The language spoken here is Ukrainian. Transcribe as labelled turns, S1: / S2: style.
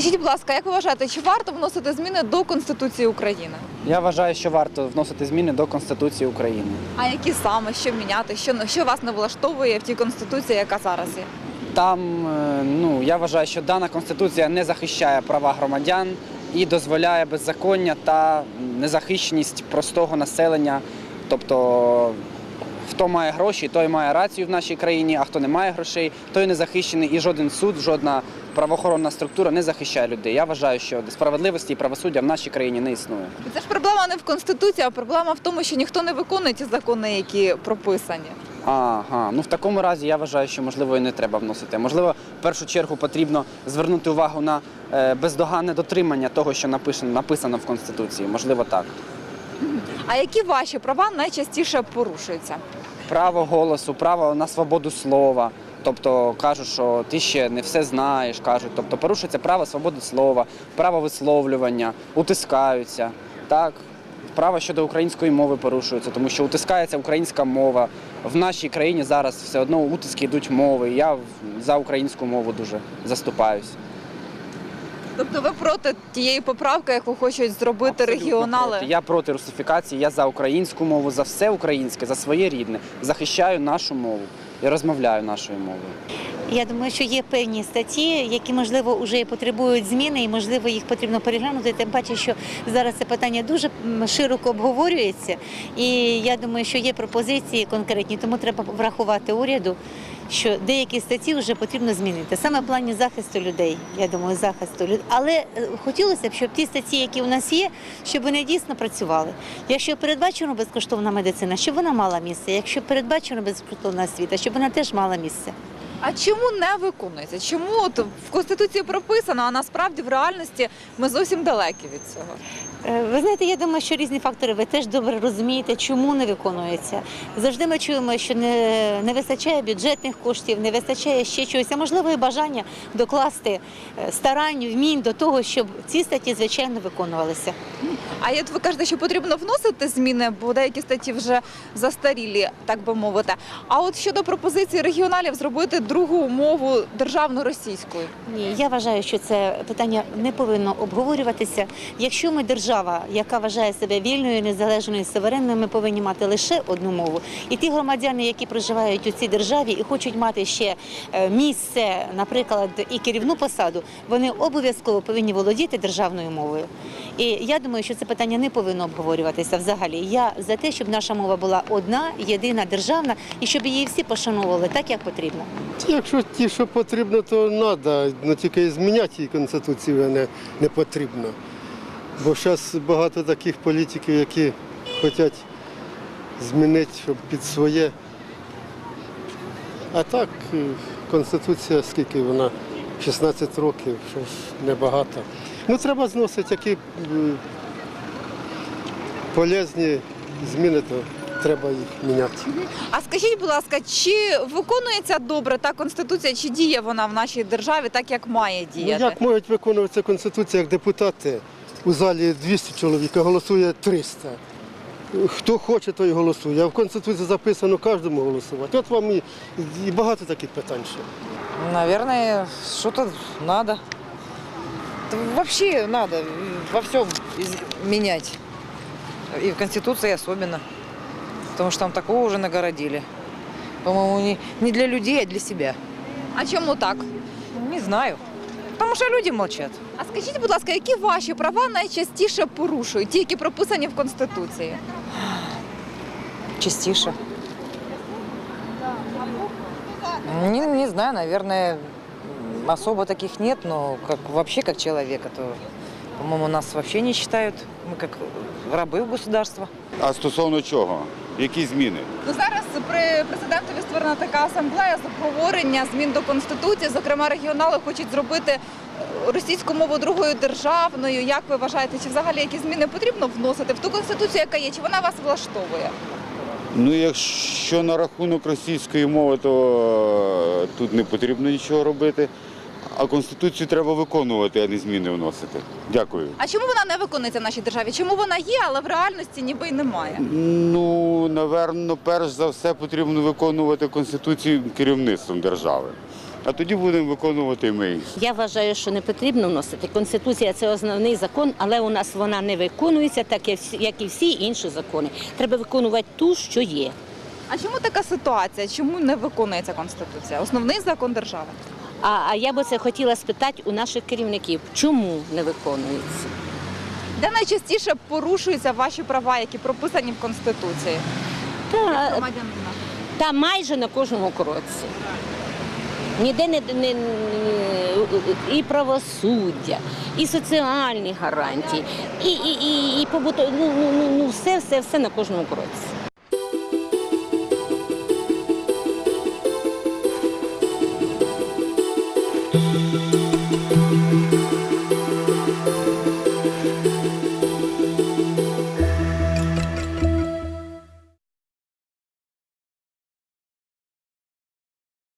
S1: Скажіть, будь ласка, як ви вважаєте, чи варто вносити зміни до Конституції України?
S2: Я вважаю, що варто вносити зміни до Конституції України.
S1: А які саме, що міняти, що вас не влаштовує в тій Конституції, яка зараз є?
S2: Там, я вважаю, що дана Конституція не захищає права громадян і дозволяє беззаконня та незахищеність простого населення. Тобто, хто має гроші, той має рацію в нашій країні, а хто не має грошей, той не захищений. І жоден суд, жодна правоохоронна структура не захищає людей. Я вважаю, що справедливості і правосуддя в нашій країні не існує.
S1: Це ж проблема не в Конституції, а проблема в тому, що ніхто не виконує ті закони, які прописані.
S2: В такому разі я вважаю, що, можливо, і не треба вносити. Можливо, в першу чергу потрібно звернути увагу на бездоганне дотримання того, що написано в Конституції. Можливо, так.
S1: А які ваші права найчастіше порушуються?
S2: Право голосу, право на свободу слова. Тобто кажуть, що ти ще не все знаєш, кажуть. Тобто порушується право свободи слова, право висловлювання, утискаються. Так, право щодо української мови порушується, тому що утискається українська мова. В нашій країні зараз все одно утиски йдуть мови. Я за українську мову дуже заступаюсь.
S1: Тобто ви проти тієї поправки, яку хочуть зробити
S2: Абсолютно
S1: регіонали?
S2: проти. Я проти русифікації, я за українську мову, за все українське, за своє рідне. Захищаю нашу мову і розмовляю нашою мовою.
S3: Я думаю, що є певні статті, які, можливо, вже і потребують зміни, і, можливо, їх потрібно переглянути. Тим паче, що зараз це питання дуже широко обговорюється, і я думаю, що є пропозиції конкретні, тому треба врахувати уряду, що деякі статті вже потрібно змінити. Саме в плані захисту людей, я думаю, захисту людей. Але хотілося б, щоб ті статті, які у нас є, щоб вони дійсно працювали. Якщо передбачено безкоштовна медицина, щоб вона мала місце. Якщо передбачено безкоштовна освіта, щоб вона теж мала місце.
S1: А чому не виконується? Чому от в Конституції прописано, а насправді в реальності ми зовсім далекі від цього?
S3: Ви знаєте, я думаю, що різні фактори, ви теж добре розумієте, чому не виконується. Завжди ми чуємо, що не вистачає бюджетних коштів, не вистачає ще чогось, а можливо і бажання докласти старань, вмінь до того, щоб ці статті, звичайно, виконувалися.
S1: А от ви кажете, що потрібно вносити зміни, бо деякі статті вже застарілі, так би мовити. А от щодо пропозиції регіоналів зробити другу мову державну російською?
S3: Ні, я вважаю, що це питання не повинно обговорюватися. Якщо ми держава, яка вважає себе вільною, незалежною, суверенною, ми повинні мати лише одну мову. І ті громадяни, які проживають у цій державі і хочуть мати ще місце, наприклад, і керівну посаду, вони обов'язково повинні володіти державною мовою. І я думаю, що це питання не повинно обговорюватися взагалі. Я за те, щоб наша мова була одна, єдина, державна, і щоб її всі пошановували так, як потрібно.
S4: Якщо ті, що потрібно, то треба, але тільки зміняти її Конституцію не потрібно. Бо зараз багато таких політиків, які хочуть змінити, щоб під своє. А так, Конституція, скільки вона? 16 років, щось небагато. Треба зносити які полезні зміни, то треба їх міняти.
S1: А скажіть, будь ласка, чи виконується добре та Конституція, чи діє вона в нашій державі так, як має діяти?
S4: Як можуть виконуватися Конституція, як депутати? У залі 200 чоловік, а голосує 300. Хто хоче, той голосує. А в Конституції записано кожному голосувати. От вам і багато таких питань ще.
S5: Наверное, что-то надо. Да вообще надо во всем менять. И в Конституции особенно. Потому что там такого уже нагородили. По-моему, не для людей, а для себя.
S1: А чому так?
S5: Не знаю. Потому что люди молчат.
S1: А скажіть, будь ласка, які ваші права найчастіше порушують, ті, які прописані в Конституції?
S5: Частіше. Не знаю, наверное, особо таких нет, но вообще как человека, то, по-моему, нас вообще не считают. Мы как рабы государства.
S6: А стосовно чого? Які зміни?
S1: Зараз при президентові створена така асамблея з обговорення змін до Конституції. Зокрема, регіонали хочуть зробити російську мову другою державною. Як ви вважаєте, чи взагалі які зміни потрібно вносити в ту Конституцію, яка є? Чи вона вас влаштовує?
S6: Якщо на рахунок російської мови, то тут не потрібно нічого робити. А Конституцію треба виконувати, а не зміни вносити. Дякую.
S1: А чому вона не виконується в нашій державі? Чому вона є, але в реальності ніби й немає?
S6: Напевно, перш за все потрібно виконувати Конституцію керівництвом держави. а тоді будемо виконувати ми їх.
S7: Я вважаю, що не потрібно вносити. Конституція – це основний закон, але у нас вона не виконується, так як і всі інші закони. Треба виконувати ту, що є.
S1: А чому така ситуація? Чому не виконується Конституція? Основний закон держави.
S7: А я би це хотіла спитати у наших керівників, чому не виконується?
S1: Де найчастіше порушуються ваші права, які прописані в Конституції? Громадянина.
S7: Та майже на кожному кроці. Ніде і правосуддя, і соціальні гарантії, і побутові, все на кожному кроці.